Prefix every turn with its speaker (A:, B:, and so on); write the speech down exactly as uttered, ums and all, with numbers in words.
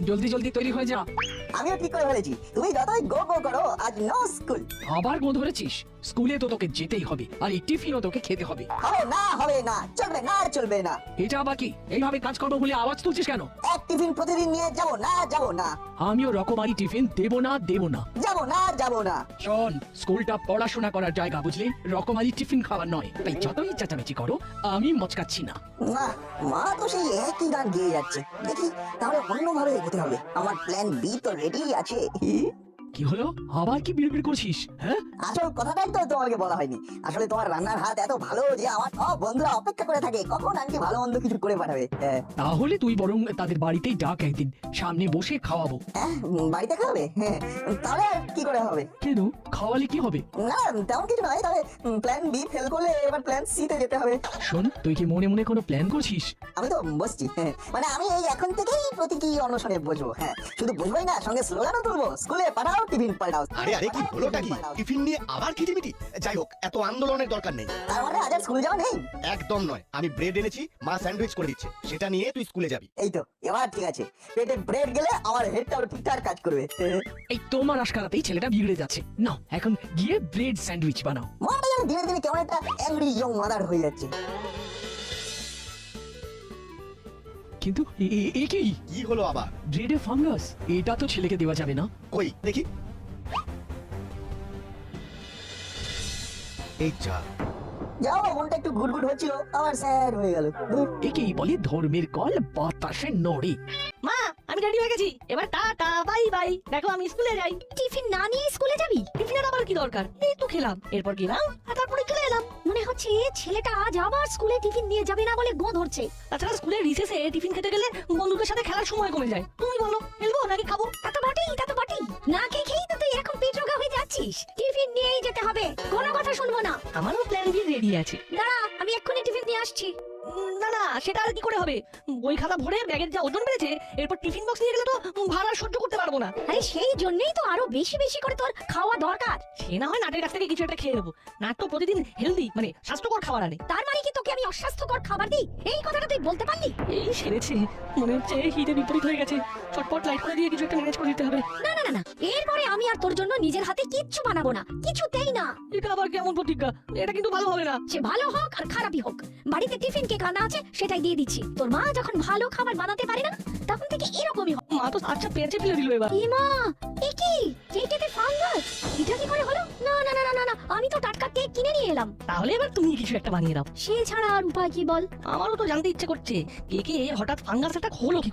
A: জলদি জলদি তৈরি হয়ে যা।
B: আমিও ঠিক করে ফেলেছি, তুমি যতই গো গো করো, আজ নো স্কুল।
A: আবার গো ধরেছিস? স্কুলে তো তোকে যেতেই হবে, আর এই টিফিনও তোকে খেতে হবে।
B: হবে না, হবে না, চলবে না, চলবে না।
A: এটা আবার কি? এইভাবে কাজ করবো বলে আওয়াজ তুলছিস কেন?
B: এক টিফিন প্রতিদিন নিয়ে যাবো না, যাবো না,
A: আমিও রকমারি টিফিন দেবো না, দেবো না।
B: যাবো না, যাবো না।
A: শোন, স্কুলটা পড়াশোনা করার জায়গা, বুঝলি? রকমারি টিফিন খাওয়ার নয়। তাই যতই চেঁচামেচি করো, আমি মচকাচ্ছি না।
B: না, মা তো সেই একই গান গেয়ে যাচ্ছে। দেখি তাহলে অন্যভাবে এগোতে হবে। আমার প্ল্যান বি তো রেডি আছে।
A: কি হলো? আবার কি বিড়বিড় করছিস? হ্যাঁ,
B: আসল কথাটাই তো তোমাকে বলা হয়নি। আসলে তোমার রান্নার হাত এত ভালো যে আমার সব বন্ধুরা অপেক্ষা করে থাকে কখন আন্টি ভালো মন্দ কিছু করে পাঠাবে। হ্যাঁ।
A: তাহলে তুই বরং তাদের বাড়িতেই ডাক, একদিন সামনে বসে খাওয়াবো।
B: হ্যাঁ, বাড়িতে খাবে? হ্যাঁ, তাহলে আর কি করে হবে?
A: কেন? খাওয়ালে কি হবে?
B: না, তেমন কিছু নয়। তবে প্ল্যান বি ফেল করলে এবার প্ল্যান সি তে যেতে হবে।
A: শোন, তুই কি মনে মনে কোনো প্ল্যান করছিস?
B: আমি তো বসছি। হ্যাঁ, মানে আমি এই এখন থেকেই প্রতীকী অনশনে বসবো। হ্যাঁ, শুধু বসবোই না, সঙ্গে স্লোগানও তুলবো, স্কুলে পাঠাও, টিফিন পাঠাও।
C: আরে আরে কি হলোটা কি? টিফিন নিয়ে আবার খিটিমিটি? যাই হোক, এত আন্দোলনের দরকার নেই।
B: তার মানে আজ আর স্কুল যাওয়া নেই?
C: একদম নয়, আমি ব্রেড এনেছি, মা স্যান্ডউইচ করে দিচ্ছে, সেটা নিয়ে তুই স্কুলে যাবি।
B: এই তো, এবার ঠিক আছে। পেটে ব্রেড গেলে আমার হেডটাও ঠিকঠাক কাজ করবে।
A: এই তোমার আশকারাতেই ছেলেটা বিগড়ে যাচ্ছে। না, এখন গিয়ে ব্রেড স্যান্ডউইচ বানাও।
B: মনটা যেন দিনে দিনে কেমন একটা অ্যাংরি ইয়ং মাদার হয়ে যাচ্ছে।
A: কিন্তু এ- এ- এ কি?
C: কি হলো আবার?
A: ব্রেডে ফাঙ্গাস? এটা তো ছেলেকে দেওয়া যাবে না।
C: কই দেখি। এই যা।
B: যাও, মনটা একটু ঘুরঘুর হচ্ছিল, আবার স্যার হয়ে গেল। ধুর।
A: একেই বলে ধর্মের কল বাতাসে নড়ে।
D: মা, আমি রেডি হয়ে গেছি, এবার টাটা বাই বাই। দেখো আমি স্কুলে যাই।
E: টিফিন না নিয়ে স্কুলে যাবি?
D: টিফিনের আবার কি দরকার? এই তো খেলাম, এরপর গেলাম আর তারপরে চলে এলাম।
E: মনে হচ্ছে ছেলেটা আজ আবার স্কুলে টিফিন নিয়ে যাবে না বলে গো ধরছে।
D: তাছাড়া স্কুলের রিসেসে টিফিন খেতে গেলে বন্ধুদের সাথে খেলার সময় কমে যায়। তুমি বলো, খেলবো নাকি খাবো?
E: তা তো বটেই, তা তো বটেই। না খেয়ে খেয়েই তো তুই এখন পেট রোগা হয়ে যাচ্ছিস। টিফিন নিয়েই যেতে হবে, কোনো কথা শুনবো না।
D: আমারও প্ল্যান বি রেডি আছে।
E: দাঁড়া, আমি এক্ষুনি টিফিন নিয়ে আসছি।
D: উম, না না, সেটা আর কি করে হবে? বই খাতা ভরে ব্যাগের যা ওজন বেড়েছে, এরপর টিফিন বক্স নিয়ে গেলে তো ভাড়া সহ্য করতে পারবো না।
E: আরে সেই জন্যই তো আরো বেশি বেশি করে তোর খাওয়া দরকার।
D: সে না হয় নাটের কাছ থেকে কিছু একটা খেয়ে নেবো। নাট তো প্রতিদিন হেলদি মানে স্বাস্থ্যকর খাবার আনে।
E: তার মানে কি তোকে আমি অস্বাস্থ্যকর খাবার দিই? এই কথাটা তুই বলতে পারলি?
D: এই সেরেছে, মনে হচ্ছে হিতে বিপরীত হয়ে গেছে। চটপট লাইট করে দিয়ে কিছু একটা ম্যানেজ করে দিতে হবে।
E: না না না না, এরপরে আমি আর তোর জন্য নিজের হাতে কিচ্ছু বানাবো না, কিছুতেই না।
D: এটা আবার কেমন প্রতিজ্ঞা? এটা কিন্তু ভালো হবে না।
E: সে ভালো হোক আর খারাপই হোক, বাড়িতে টিফিন কে কানা আছে সেটাই দিয়ে দিচ্ছি। তোর মা যখন ভালো খাবার বানাতে পারে না, তখন থেকে এরকমই হয়।
D: মা তো আচ্ছা পেঁচে ফেলে দিল এবার।
E: এ মা, এ কি? কেকেতে ফাঙ্গাস? এটা কি করে হলো? না না না না না না, আমি তো টাটকা কেক কিনে নিয়ে এলাম।
D: তাহলে এবার তুমি কিছু একটা বানিয়ে দাও।
E: সে ছাড়া আর উপায় কি বল?
D: আমারও তো জানতে ইচ্ছে করছে, কে কে হঠাৎ ফাঙ্গাস একটা হলো কি